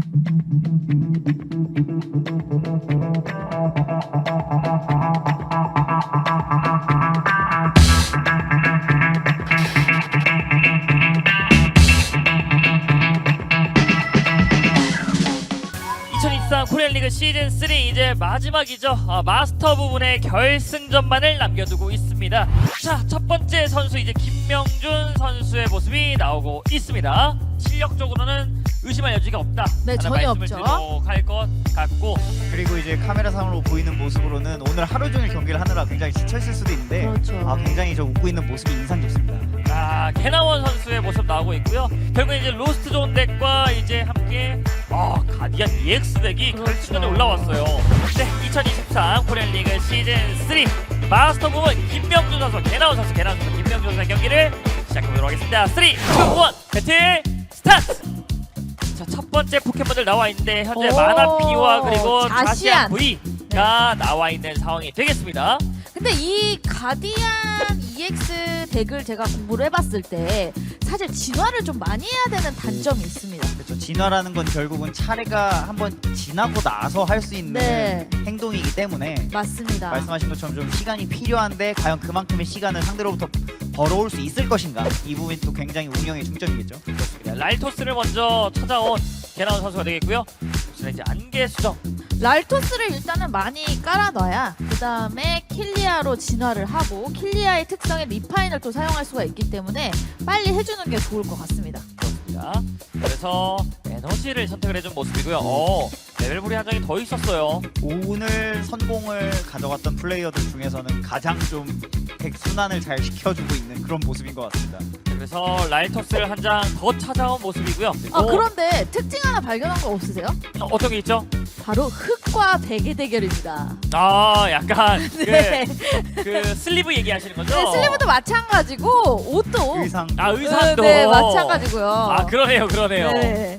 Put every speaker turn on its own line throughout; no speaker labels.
코리안 리그 시즌 3 이제 마지막이죠. 마스터 부분의 결승전만을 남겨두고 있습니다. 자, 첫 번째 선수 이제 김명준 선수의 모습이 나오고 있습니다. 실력적으로는 의심할 여지가 없다.
네, 전혀 없죠.
할 것 같고,
그리고 이제 카메라상으로 보이는 모습으로는 오늘 하루 종일 경기를 하느라 굉장히 지쳐있을 수도 있는데
그렇죠.
굉장히 저 웃고 있는 모습이 인상 깊습니다.
개나원 선수의 모습 나오고 있고요. 결국 이제 로스트 존 덱과 이제 함께 가디언 EX 덱이
그렇죠.
결승전에 올라왔어요. 네, 2023 코리안 리그 시즌 3 마스터 부분 김명준 선수, 개나원 선수, 김명준 선수의 경기를 시작해보도록 하겠습니다. 3, 2, 1 배틀 스타트! 자, 첫 번째 포켓몬들 나와 있는데 현재 마나피와 그리고 자시안 V가 나와 있는 상황이 되겠습니다.
근데 이 가디안 EX 덱을 제가 공부를 해봤을 때 사실 진화를 좀 많이 해야 되는 단점이 있습니다.
그렇죠. 진화라는 건 결국은 차례가 한번 지나고 나서 할 수 있는
네.
행동이기 때문에
맞습니다.
말씀하신 것처럼 좀 시간이 필요한데 과연 그만큼의 시간을 상대로부터 벌어올 수 있을 것인가, 이 부분이 또 굉장히 운영의 중점이겠죠.
그렇습니다. 랄토스를 먼저 찾아온 개나운 선수가 되겠고요. 이제 안개 수정.
랄토스를 일단은 많이 깔아놔야 그 다음에 킬리아로 진화를 하고 킬리아의 특성의 리파인을 또 사용할 수가 있기 때문에 빨리 해주는 게 좋을 것 같습니다.
그렇습니다. 그래서 에너지를 선택을 해준 모습이고요. 레벨볼이 한 장이 더 있었어요.
오늘 선공을 가져갔던 플레이어들 중에서는 가장 좀 백순환을 잘 시켜주고 있는 그런 모습인 것 같습니다.
그래서 랄토스를 한 장 더 찾아온 모습이고요.
그런데 특징 하나 발견한 거 없으세요?
어떤 게 있죠?
바로 흙과 베개 대결입니다.
약간
네.
그 슬리브 얘기하시는 거죠?
네, 슬리브도 마찬가지고 옷도
의상도
네, 마찬가지고요.
그러네요.
네.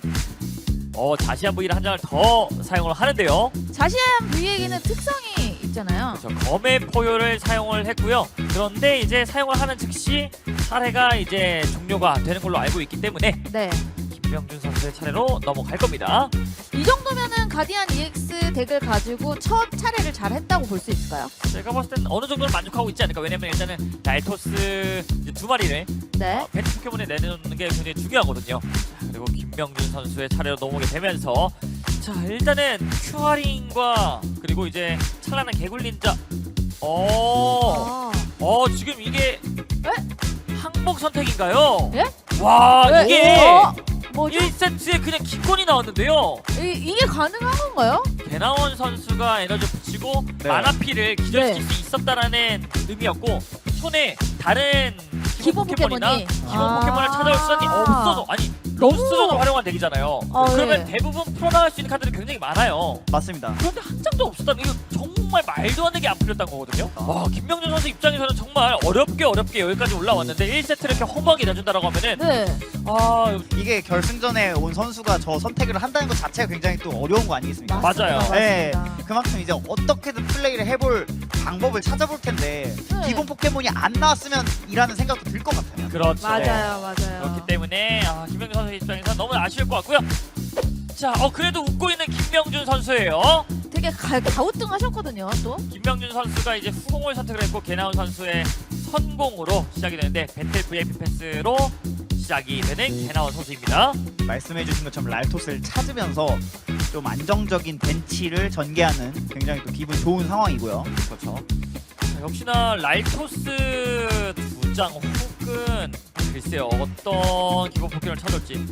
자시안 V를 한 장을 더 사용을 하는데요.
자시안 V에게는 특성이 있잖아요.
그렇죠. 검의 포효를 사용을 했고요. 그런데 이제 사용을 하는 즉시 차례가 이제 종료가 되는 걸로 알고 있기 때문에
네.
김명준 선수의 차례로 넘어갈 겁니다.
이 정도면은 가디안 EX 덱을 가지고 첫 차례를 잘 했다고 볼 수 있을까요?
제가 봤을 땐 어느 정도는 만족하고 있지 않을까. 왜냐면 일단은 랄토스 이제 두 마리를
네.
배트 포켓몬에 내놓는 게 굉장히 중요하거든요. 자, 그리고 김명준 선수의 차례로 넘어오게 되면서 자, 일단은 큐아링과 그리고 이제 찬란한 개굴린자. 지금 이게 항복 선택인가요?
예?
와,
네.
이게
뭐죠?
1세트에 그냥 기권이 나왔는데요.
이게 가능한 건가요?
개나원 선수가 에너지 붙이고
네.
마나피를 기절시킬
네.
수 있었다라는 의미였고, 손에 다른
기본
포켓몬이나
포켓몬이.
기본 포켓몬을 찾아올 수단이 없어서, 아니 로스존을 활용한 덱이잖아요. 그러면
네.
대부분 풀어나갈 수 있는 카드들이 굉장히 많아요.
맞습니다.
그런데 한 장도 없었다면 이거 정말 말도 안 되게 안 풀렸던 거거든요. 김명준 선수 입장에서는 정말 어렵게 여기까지 올라왔는데 1세트를 이렇게 허무하게 내준다라고 하면은
네.
이게 결승전에 온 선수가 저 선택을 한다는 것 자체가 굉장히 또 어려운 거 아니겠습니까?
맞아요.
네,
맞습니다.
그만큼 이제 어떻게든 플레이를 해볼 방법을 찾아볼 텐데
네.
기본 포켓몬이 안 나왔으면 이라는 생각도 들 것 같아요.
그렇죠.
맞아요.
그렇기 때문에 김명준 선수 입장에서 너무 아쉬울 것 같고요. 자, 그래도 웃고 있는 김명준 선수예요.
되게 가우뚱하셨거든요. 또.
김명준 선수가 이제 후공을 선택을 했고 개나운 선수의 선공으로 시작이 되는데 배틀 VIP 패스로 시작이 되는 개나운 선수입니다.
말씀해주신 것처럼 랄토스를 찾으면서 좀 안정적인 벤치를 전개하는 굉장히 또 기분 좋은 상황이고요.
그렇죠. 자, 역시나 랄토스 두 장 혹은 글쎄요 어떤 기본 포켓을 찾을지.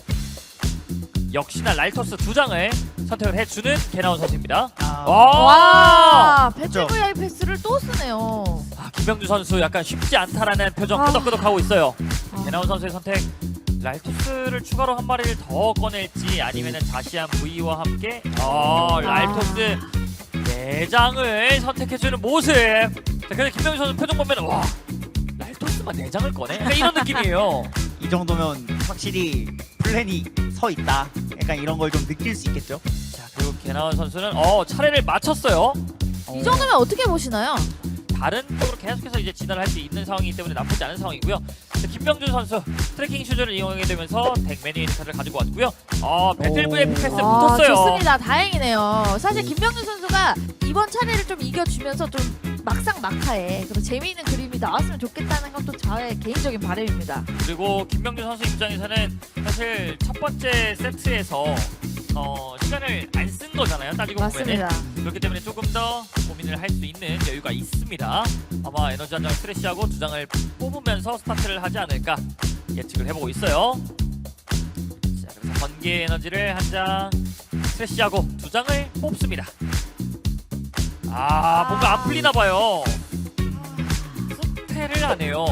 역시나 랄토스 두 장을 선택을 해주는 개나운 선수입니다.
와, 배틀
그렇죠.
VIP 패스를 또 쓰네요.
김명준 선수 약간 쉽지 않다라는 표정 끄덕끄덕하고 있어요. 개나운 선수의 선택. 랄토스를 추가로 한 마리를 더 꺼낼지 아니면은 자시안 V와 함께 랄토스 4장을 선택해주는 모습. 자, 그래서 김명준 선수 표정 보면 와, 랄토스만 4장을 꺼내? 약간 이런 느낌이에요.
이 정도면 확실히 플랜이 서 있다. 약간 이런 걸 좀 느낄 수 있겠죠.
자, 그리고 개나운 선수는 차례를 마쳤어요.
이 정도면 어떻게 보시나요?
다른 쪽으로 계속해서 이제 진화를 할 수 있는 상황이기 때문에 나쁘지 않은 상황이고요. 김명준 선수 트래킹 슈즈를 이용하게 되면서 덱 메뉴 카드를 가지고 왔고요. 배틀브의 패스 붙었어요.
좋습니다. 다행이네요. 사실 김병준 선수가 이번 차례를 좀 이겨주면서 좀 막상 막하에 그런 재미있는 그림이 나왔으면 좋겠다는 것도 저의 개인적인 바람입니다.
그리고 김명준 선수 입장에서는 사실 첫 번째 세트에서 시간을 안 쓴 거잖아요. 따지고
맞습니다.
보면은. 그렇기 때문에 조금 더 고민을 할 수 있는 여유가 있습니다. 아마 에너지 한 장을 스트레시하고 두 장을 뽑으면서 스타트를 하지 않을까 예측을 해보고 있어요. 자, 그래서 번개 에너지를 한 장 스트레시하고 두 장을 뽑습니다. 뭔가 안 풀리나 봐요. 스페를 안 해요.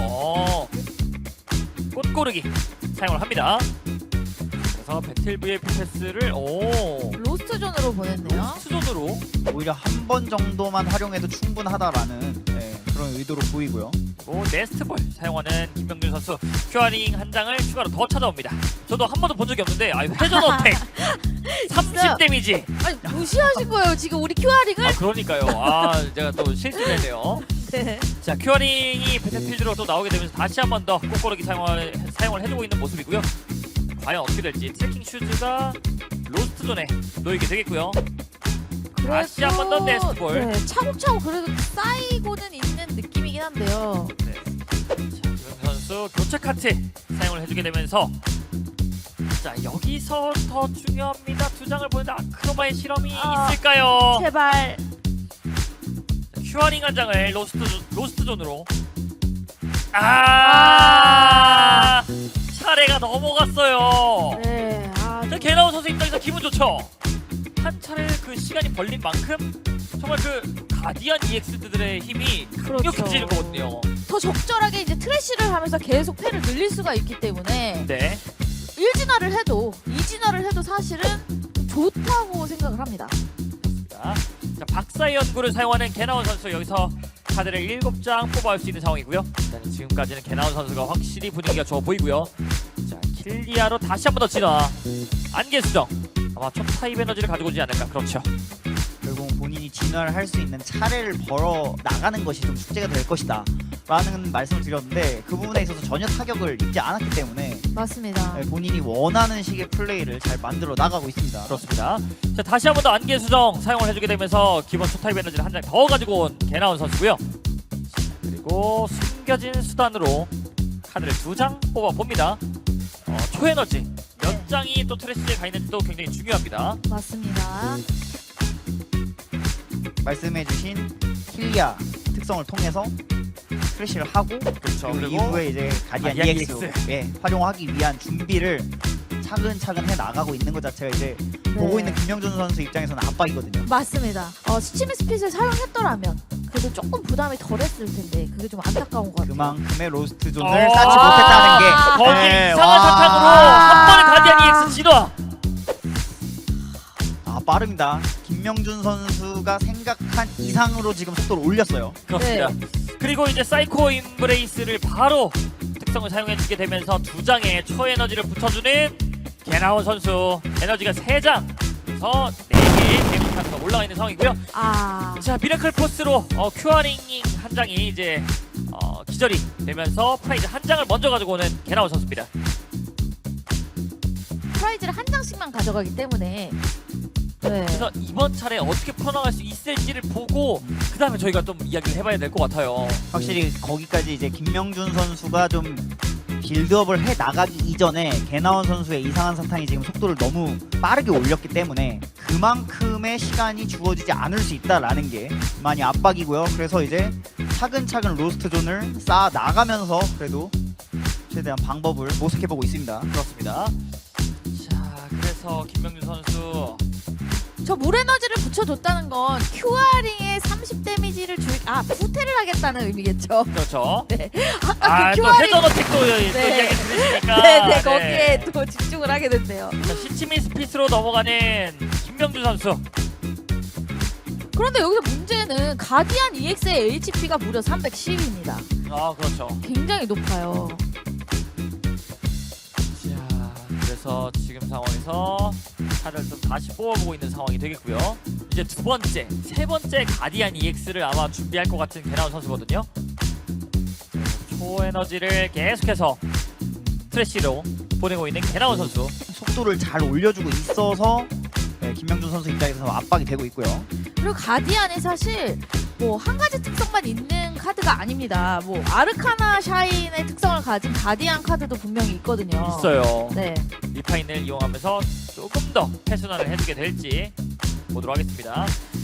꽃고르기 사용을 합니다. 그래서 배틀 VF 패스를
로스트 존으로 보냈네요.
수존으로
오히려 한 번 정도만 활용해도 충분하다라는 그런 의도로 보이고요.
그리고 네스트볼 사용하는 김명준 선수 큐어링 한 장을 추가로 더 찾아옵니다. 저도 한 번도 본 적이 없는데 회전 어택 30 데미지.
아니 무시하신 거예요 지금 우리 큐어링을?
그러니까요. 제가 또 실수를 했네요.
네.
자, 큐어링이 배틀필드로 또 나오게 되면서 다시 한 번 더 꽃고르기 사용을 해주고 있는 모습이고요. 과연 어떻게 될지 트래킹 슈즈가 로스트 존에 놓이게 되겠고요. 다시 한 번 더 네스트볼.
네, 차곡차곡 그래도 쌓이고는 있는 느낌이긴 한데요.
네. 자, 김영 선수 교체 카트 사용을 해주게 되면서 자, 여기서 더 중요합니다. 두 장을 보는데 아크로바의 실험이 있을까요?
제발.
큐어링 한 장을 로스트 존으로. 차례가 넘어갔어요.
네.
개나운 선수 입장에서 기분 좋죠. 한 차례 그 시간이 벌린 만큼 정말 그 가디안 EX들의 힘이 강력해지는 거거든요.
더 적절하게 이제 트래쉬를 하면서 계속 패를 늘릴 수가 있기 때문에
네.
1진화를 해도 2진화를 해도 사실은 좋다고 생각을 합니다.
자, 박사의 연구를 사용하는 개나운 선수 여기서 카드를 7장 뽑아올 수 있는 상황이고요. 일단 지금까지는 개나운 선수가 확실히 분위기가 좋아 보이고요. 자, 킬리아로 다시 한 번 더 진화. 안개 수정. 아마 첫 타입 에너지를 가지고 오지 않을까. 그렇죠.
결국 본인이 진화를 할 수 있는 차례를 벌어 나가는 것이 좀 숙제가 될 것이다 라는 말씀을 드렸는데 그 부분에 있어서 전혀 타격을 입지 않았기 때문에
맞습니다.
본인이 원하는 식의 플레이를 잘 만들어 나가고 있습니다.
그렇습니다. 자, 다시 한 번 더 안개 수정 사용을 해주게 되면서 기본 첫 타입 에너지를 한 장 더 가지고 온 개나운 선수고요. 자, 그리고 숨겨진 수단으로 카드를 2장 뽑아봅니다. 초에너지 몇 장이 또 트래시에 가 있는지도 굉장히 중요합니다.
맞습니다.
말씀해주신 킬리아 특성을 통해서 트래시를 하고
그렇죠.
그리고 이후에 이제 가디안 EX 활용하기 위한 준비를 차근차근 해 나가고 있는 것 자체가 이제 보고 있는 김명준 선수 입장에서는 압박이거든요.
맞습니다. 스치미 스핏을 사용했더라면 그래도 조금 부담이 덜했을 텐데 그게 좀 안타까운 것 같아요.
그만큼의 로스트 존을 쌓지 못했다는 게
거기
네,
이상한 사탕으로 한 번에 가디안 EX 진화.
빠릅니다. 김명준 선수가 생각한 이상으로 지금 속도를 올렸어요.
그렇습니다. 그리고 이제 사이코 임브레이스를 바로 특성을 사용해주게 되면서 2장의 초에너지를 붙여주는 개나운 선수 에너지가 3장 그래서 4개의 데미지가 올라가 있는 상황이고요. 자, 미라클 포스로 큐어링 한 장이 이제 기절이 되면서 프라이즈 한 장을 먼저 가지고 오는 개나운 선수입니다.
프라이즈를 한 장씩만 가져가기 때문에
그래서 이번 차례 어떻게 풀어나갈 수 있을지를 보고 그 다음에 저희가 좀 이야기를 해봐야 될 것 같아요.
확실히 거기까지 이제 김명준 선수가 좀 빌드업을 해 나가기 이전에 개나운 선수의 이상한 사탕이 지금 속도를 너무 빠르게 올렸기 때문에 그만큼의 시간이 주어지지 않을 수 있다라는 게 많이 압박이고요. 그래서 이제 차근차근 로스트 존을 쌓아 나가면서 그래도 최대한 방법을 모색해보고 있습니다.
그렇습니다. 자, 그래서 김명준 선수
저 물에너지를 붙여줬다는 건 큐어링에 30 데미지를 후퇴를 하겠다는 의미겠죠.
그렇죠.
네.
또 회전 어택도 이야기 들으시니까
네, 거기에 또 집중을 하게 된대요.
자, 시치미 스피스로 넘어가는 김명준 선수.
그런데 여기서 문제는 가디안 EX의 HP가 무려 310입니다.
그렇죠.
굉장히 높아요.
자, 그래서 지금 상황에서 차를 좀 다시 뽑아보고 있는 상황이 되겠고요. 이제 두 번째, 세 번째 가디안 EX를 아마 준비할 것 같은 개나운 선수거든요. 초에너지를 계속해서 트래쉬로 보내고 있는 개나운 선수.
속도를 잘 올려주고 있어서 네, 김명준 선수 입장에서 압박이 되고 있고요.
그리고 가디안이 사실 뭐 한 가지 특성만 있는 카드가 아닙니다. 뭐 아르카나 샤인의 특성을 가진 가디안 카드도 분명히 있거든요.
있어요.
네.
리파인을 이용하면서 조금 더 패순환을 해주게 될지 보도록 하겠습니다.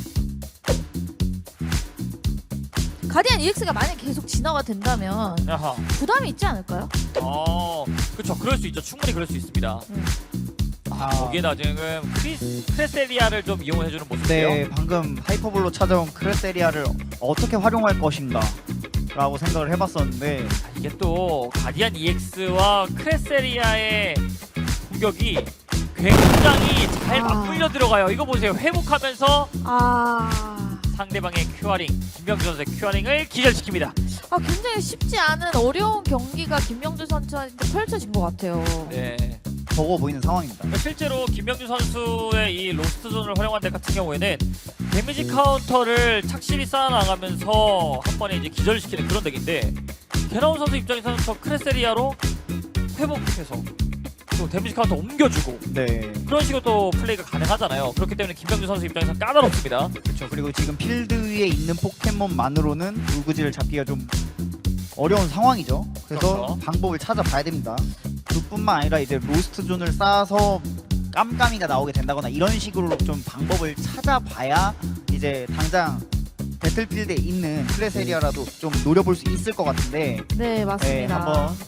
가디안 EX가 만약 계속 진화가 된다면
야하.
부담이 있지 않을까요?
그렇죠. 그럴 수 있죠. 충분히 그럴 수 있습니다. 거기에다 지금 크레세리아를 좀 이용해주는 모습이에요.
네, 방금 하이퍼볼로 찾아온 크레세리아를 어떻게 활용할 것인가 라고 생각을 해봤었는데
이게 또 가디안 EX와 크레세리아의 공격이 굉장히 잘 맞물려 들어가요. 이거 보세요. 회복하면서 상대방의 큐어링, 김명준 선수의 큐어링을 기절시킵니다.
굉장히 쉽지 않은 어려운 경기가 김명준 선수한테 펼쳐진 것 같아요.
네.
버거워 보이는 상황입니다.
그러니까 실제로 김명준 선수의 이 로스트 존을 활용한 데 같은 경우에는 데미지 카운터를 착실히 쌓아나가면서 한 번에 이제 기절시키는 그런 덱인데 개나운 선수 입장에서는 저 크레세리아로 회복해서 또 데미지 카운터 옮겨주고
네,
그런 식으로 또 플레이가 가능하잖아요. 그렇기 때문에 김명준 선수 입장에서는 까다롭습니다.
그렇죠. 그리고 지금 필드 위에 있는 포켓몬만으로는 울구지를 잡기가 좀 어려운 상황이죠. 그래서
그렇죠.
방법을 찾아봐야 됩니다. 그뿐만 아니라 이제 로스트 존을 쌓아서 깜깜이가 나오게 된다거나 이런 식으로 좀 방법을 찾아봐야 이제 당장 배틀필드에 있는 크레세리아라도 좀 노려볼 수 있을 것 같은데
네,
네,
맞습니다.
한번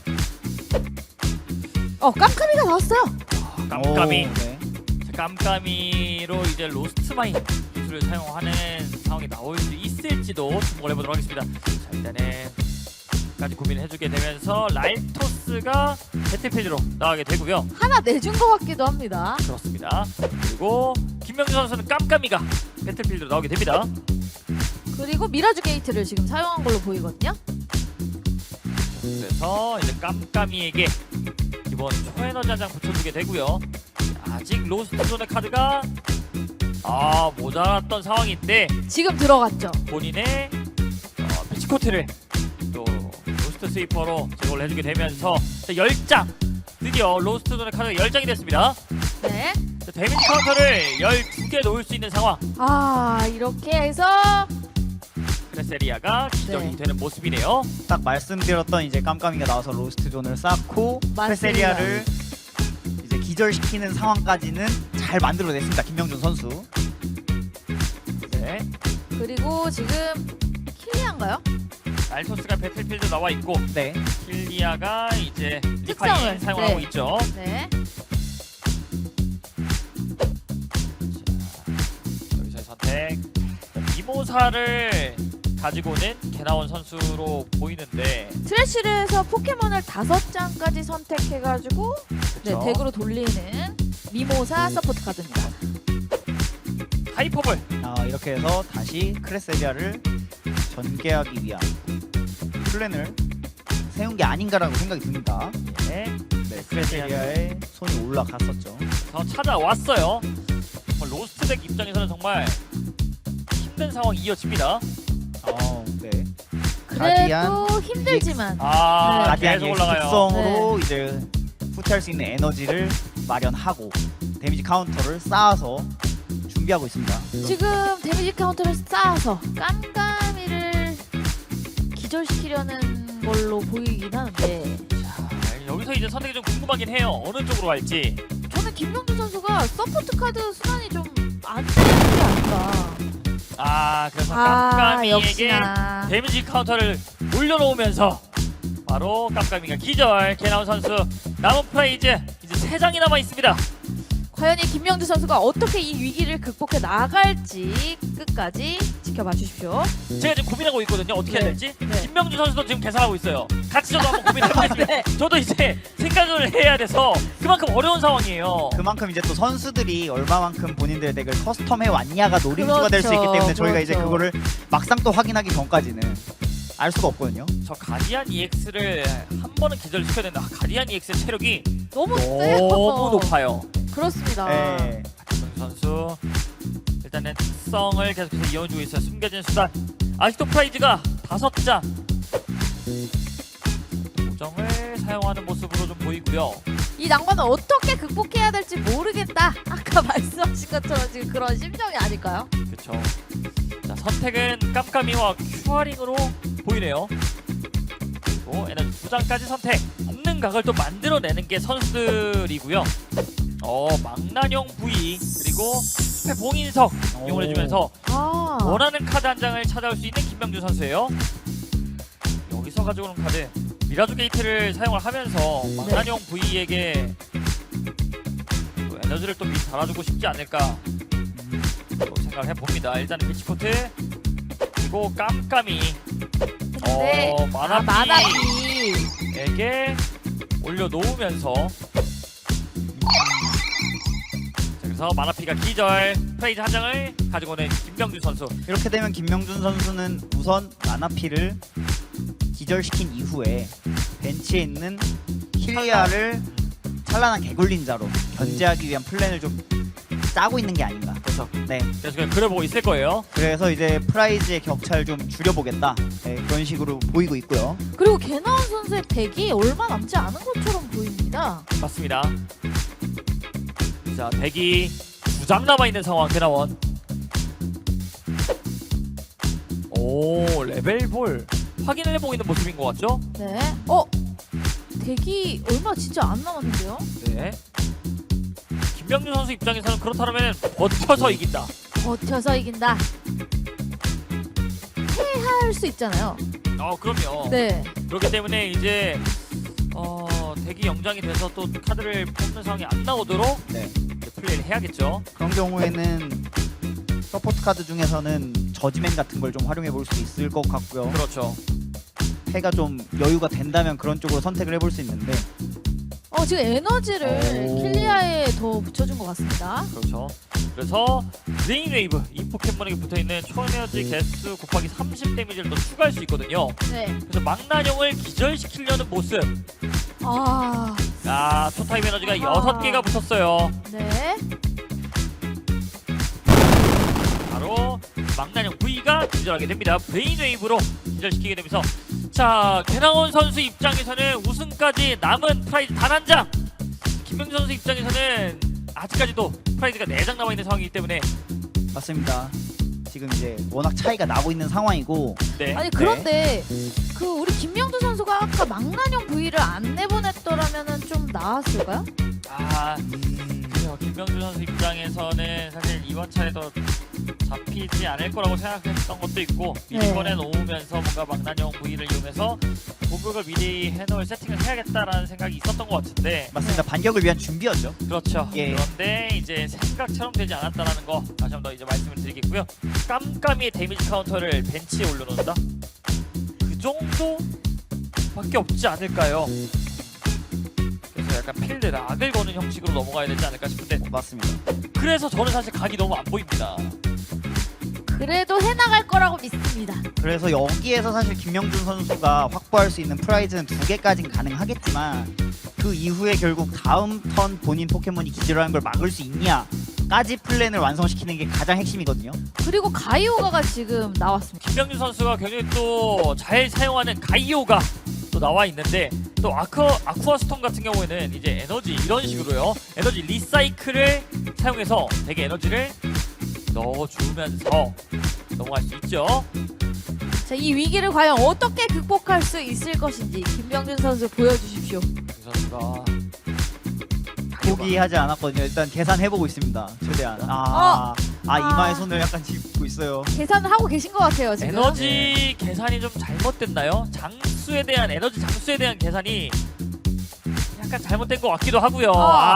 깜깜이가 나왔어요.
깜깜이.
오, 네.
깜깜이로 이제 로스트 마인 기술을 사용하는 상황이 나올 수 있을지도 주목을 해보도록 하겠습니다. 자, 일단은 까지 고민을 해주게 되면서 라이토스가 배틀필드로 나가게 되고요.
하나 내준 것 같기도 합니다.
그렇습니다. 그리고 김명준 선수는 깜깜이가 배틀필드로 나오게 됩니다.
그리고 미라주 게이트를 지금 사용한 걸로 보이거든요.
그래서 이제 깜깜이에게 이번 초에너지 한 장 붙여주게 되고요. 아직 로스트 존의 카드가 모자랐던 상황인데
지금 들어갔죠.
본인의 피치코트를 또 로스트 스위퍼로 제공을 해주게 되면서 10장 드디어 로스트 존의 카드가 10장이 됐습니다.
네.
데미지 카운터를 12개 놓을 수 있는 상황.
이렇게 해서
크레세리아가 기절이
네.
되는 모습이네요.
딱 말씀드렸던 이제 깜깜이가 나와서 로스트 존을 쌓고
맞습니다.
크레세리아를 이제 기절시키는 상황까지는 잘 만들어냈습니다. 김명준 선수.
네.
그리고 지금 킬리안가요?
알토스가 배틀필드 나와 있고
네.
킬리아가 이제
특성을,
리파인 사용하고
네.
있죠.
네.
자, 여기서의 선택. 미모사를 가지고는 개나온 선수로 보이는데
트래쉬를 해서 포켓몬을 5장까지 선택해가지고 네,
그쵸?
덱으로 돌리는 미모사 서포트 카드입니다.
하이퍼볼.
이렇게 해서 다시 크레세리아를 전개하기 위한 플랜을 세운 게 아닌가라고 생각이 듭니다.
네.
네, 크레세리아의 손이 올라갔었죠.
더 찾아왔어요. 로스트 덱 입장에서는 정말 힘든 상황이 이어집니다.
네.
그래도 힘들지만
가디안
계속 올라가요.
특성으로 이제 후퇴할 수 있는 에너지를 마련하고 데미지 카운터를 쌓아서 준비하고 있습니다.
지금 데미지 카운터를 쌓아서 깜깜이를 기절시키려는 걸로 보이긴 하는데
여기서 이제 선택이 좀 궁금하긴 해요. 어느 쪽으로 갈지.
저는 김명준 선수가 서포트 카드 순환이 좀 안 되는 게 아닌가.
그래서 깜깜이에게
역시나.
데미지 카운터를 올려놓으면서 바로 깜깜이가 기절. 개나운 선수 남은 프라이즈 이제 3장이 남아 있습니다.
과연 이 김명준 선수가 어떻게 이 위기를 극복해 나갈지 끝까지 지켜봐 주십시오.
제가 지금 고민하고 있거든요. 어떻게 해야
네.
될지.
네.
김명준 선수도 지금 계산하고 있어요. 같이 저도 한번 고민해보겠습니다.
네.
저도 이제 생각을 해야 돼서 그만큼 어려운 상황이에요.
그만큼 이제 또 선수들이 얼마만큼 본인들의 덱을 커스텀해 왔냐가 노림수가 될 수 있기 때문에 저희가 이제
그렇죠.
그거를 막상 또 확인하기 전까지는 알 수가 없거든요.
저 가디안 EX를 한 번은 기절시켜야 된다. 가디안 EX의 체력이
너무 세요.
너무 높아요.
그렇습니다.
네.
김명준 선수 일단은 특성을 계속해서 이어주고 있어요. 숨겨진 수단. 아직도 프라이즈가 5장. 사용하는 모습으로 좀 보이고요.
이 낭만을 어떻게 극복해야 될지 모르겠다. 아까 말씀하신 것처럼 지금 그런 심정이 아닐까요?
그렇죠. 자, 선택은 깜깜이와 큐어링으로 보이네요. 그리고 에너지 2장까지 선택. 없는 각을 또 만들어내는 게 선수들이고요. 망나뇽 V 그리고 스페 봉인석 이용을 해주면서
아,
원하는 카드 한 장을 찾아올 수 있는 김명준 선수예요. 여기서 가져오는 카드 미라주 게이트를 사용을 하면서 망나뇽 V에게 또 에너지를 또 미리 달아주고 싶지 않을까 또 생각을 해봅니다. 일단은 비치포트 그리고 깜깜이
근데
마나피에게 올려놓으면서 자, 그래서 마나피가 기절 프레이즈 한 장을 가지고 오는 김명준 선수.
이렇게 되면 김명준 선수는 우선 마나피를 기절시킨 이후에 벤치에 있는 킬리아를 찬란한 개굴린자로 견제하기 위한 플랜을 좀 짜고 있는 게 아닌가.
그렇죠.
네.
그래서 그냥 그려보고 있을 거예요.
그래서 이제 프라이즈의 격차를 좀 줄여보겠다. 네, 그런 식으로 보이고 있고요.
그리고 개나운 선수의 덱이 얼마 남지 않은 것처럼 보입니다.
맞습니다. 자, 대기 2장 남아있는 상황. 개나원. 오, 레벨볼 확인을 해보고 있는 모습인 것 같죠?
네. 덱이 얼마 진짜 안 남았는데요?
네. 김명준 선수 입장에서는 그렇다면 버텨서 이긴다.
버텨서 이긴다. 패할 수 있잖아요.
그럼요.
네.
그렇기 때문에 이제 대기 영장이 돼서 또 카드를 뽑는 상황이 안 나오도록
네.
이제 플레이를 해야겠죠.
그런 경우에는 서포트 카드 중에서는 저지맨 같은 걸 좀 활용해 볼 수 있을 것 같고요.
그렇죠.
패가 좀 여유가 된다면 그런 쪽으로 선택을 해볼 수 있는데
지금 에너지를
오.
킬리아에 더 붙여준 것 같습니다.
그렇죠. 그래서 브레인웨이브 이 포켓몬에게 붙어있는 초에너지 개수 곱하기 30 데미지를 더 추가할 수 있거든요.
네.
그래서 망나뇽을 기절시키려는 모습. 초타입 에너지가 6개가 붙었어요.
네.
바로 망나뇽 V가 기절하게 됩니다. 브레인웨이브로 기절시키게 되면서 자, 개나온 선수 입장에서는 우승까지 남은 프라이즈 단 한 장. 김명준 선수 입장에서는 아직까지도 프라이즈가 4장 남아있는 상황이기 때문에
맞습니다. 지금 이제 워낙 차이가 나고 있는 상황이고
네.
아니 그런데 그 우리 김명준 선수가 아까 망나뇽 V를 안 내보냈더라면은 좀 나았을까요?
그래요. 김명준 선수 입장에서는 사실 이번 차에도 잡히지 않을 거라고 생각했던 것도 있고 미리
네.
꺼내놓으면서 뭔가 망나뇽 V를 이용해서 공격을 미리 해놓을 세팅을 해야겠다라는 생각이 있었던 것 같은데
맞습니다. 반격을 위한 준비였죠.
그렇죠.
예.
그런데 이제 생각처럼 되지 않았다라는 거 다시 한 번 더 이제 말씀을 드리겠고요. 깜깜이의 데미지 카운터를 벤치에 올려놓는다? 그 정도밖에 없지 않을까요? 그래서 약간 필드 락을 거는 형식으로 넘어가야 되지 않을까 싶은데
맞습니다.
그래서 저는 사실 각이 너무 안 보입니다.
그래도 해나갈 거라고 믿습니다.
그래서 여기에서 사실 김명준 선수가 확보할 수 있는 프라이즈는 2개까지는 가능하겠지만 그 이후에 결국 다음 턴 본인 포켓몬이 기절하는 걸 막을 수 있냐까지 플랜을 완성시키는 게 가장 핵심이거든요.
그리고 가이오가가 지금 나왔습니다.
김명준 선수가 굉장히 또 잘 사용하는 가이오가 또 나와 있는데 또 아쿠아 스톰 같은 경우에는 이제 에너지 이런 식으로요. 에너지 리사이클을 사용해서 되게 에너지를 넣어주면서 넘어갈 수 있죠.
자, 이 위기를 과연 어떻게 극복할 수 있을 것인지 김명준 선수 보여주십시오.
김 선수가
포기하지 않았거든요. 일단 계산해보고 있습니다. 최대한. 이마에 손을 약간 짚고 있어요.
계산을 하고 계신 것 같아요 지금.
에너지 계산이 좀 잘못됐나요? 장수에 대한 에너지 장수에 대한 계산이 약간 잘못된 것 같기도 하고요.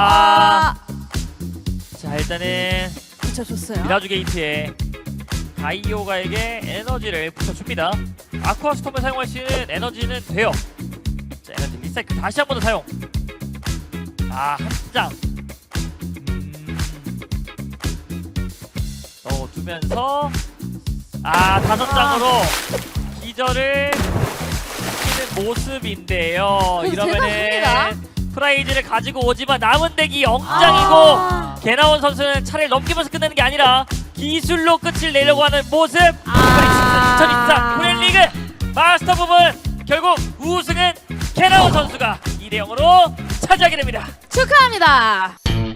자, 일단은
붙여줬어요.
미라주 게이트에 가이오가에게 에너지를 붙여줍니다. 아쿠아 스톰을 사용할 수 있는 에너지는 돼요. 자, 에너지 리사이클 다시 한 번 더 사용. 한 장. 넣어두면서 5장으로 기절을 시키는 모습인데요.
그래도
이러면은
대단합니다.
프라이즈를 가지고 오지만 남은 덱이 0장이고 개나온 선수는 차례를 넘기면서 끝내는 게 아니라 기술로 끝을 내려고 하는 모습. 2024 프렌리그 마스터 부분 결국 우승은 개나온 선수가 2대 0으로 차지하게 됩니다.
축하합니다.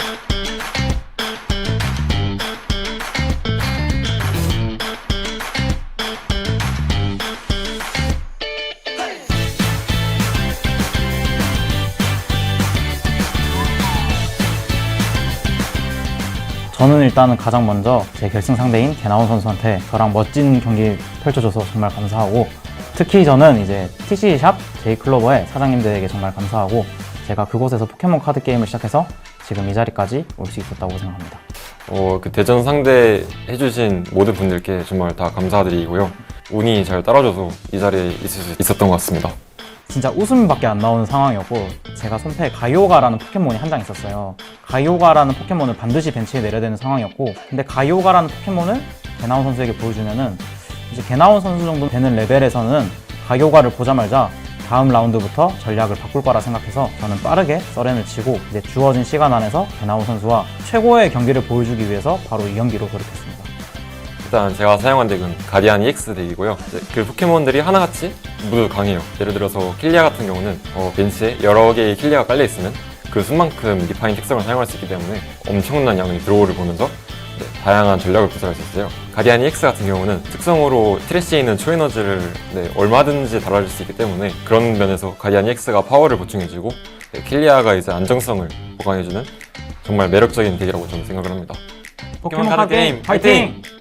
저는 일단은 가장 먼저 제 결승 상대인 개나온 선수한테 저랑 멋진 경기 펼쳐줘서 정말 감사하고, 특히 저는 이제 TC샵 제이클로버의 사장님들에게 정말 감사하고, 제가 그곳에서 포켓몬 카드 게임을 시작해서 지금 이 자리까지 올 수 있었다고 생각합니다.
그 대전 상대 해주신 모든 분들께 정말 다 감사드리고요. 운이 잘 따라줘서 이 자리에 있을 수 있었던 것 같습니다.
진짜 웃음밖에 안 나오는 상황이었고, 제가 손패에 가이오가라는 포켓몬이 한 장 있었어요. 가이오가라는 포켓몬을 반드시 벤치에 내려야 되는 상황이었고, 근데 가이오가라는 포켓몬을 개나온 선수에게 보여주면은 이제 개나온 선수 정도 되는 레벨에서는 가이오가를 보자마자 다음 라운드부터 전략을 바꿀 거라 생각해서 저는 빠르게 서렌을 치고 이제 주어진 시간 안에서 개나온 선수와 최고의 경기를 보여주기 위해서 바로 이 경기로 돌입했습니다.
일단 제가 사용한 덱은 가디안 EX 덱이고요. 이제 그 포켓몬들이 하나같이 모두 강해요. 예를 들어서 킬리아 같은 경우는 벤치에 여러 개의 킬리아가 깔려있으면 그 수만큼 리파인 특성을 사용할 수 있기 때문에 엄청난 양의 드로우를 보면서 다양한 전략을 구사할 수 있어요. 가디안 EX 같은 경우는 특성으로 트래시에 있는 초에너지를 얼마든지 달아줄 수 있기 때문에 그런 면에서 가디안 EX가 파워를 보충해주고 킬리아가 이제 안정성을 보강해주는 정말 매력적인 덱이라고 저는 생각을 합니다.
포켓몬 카드 게임 파이팅!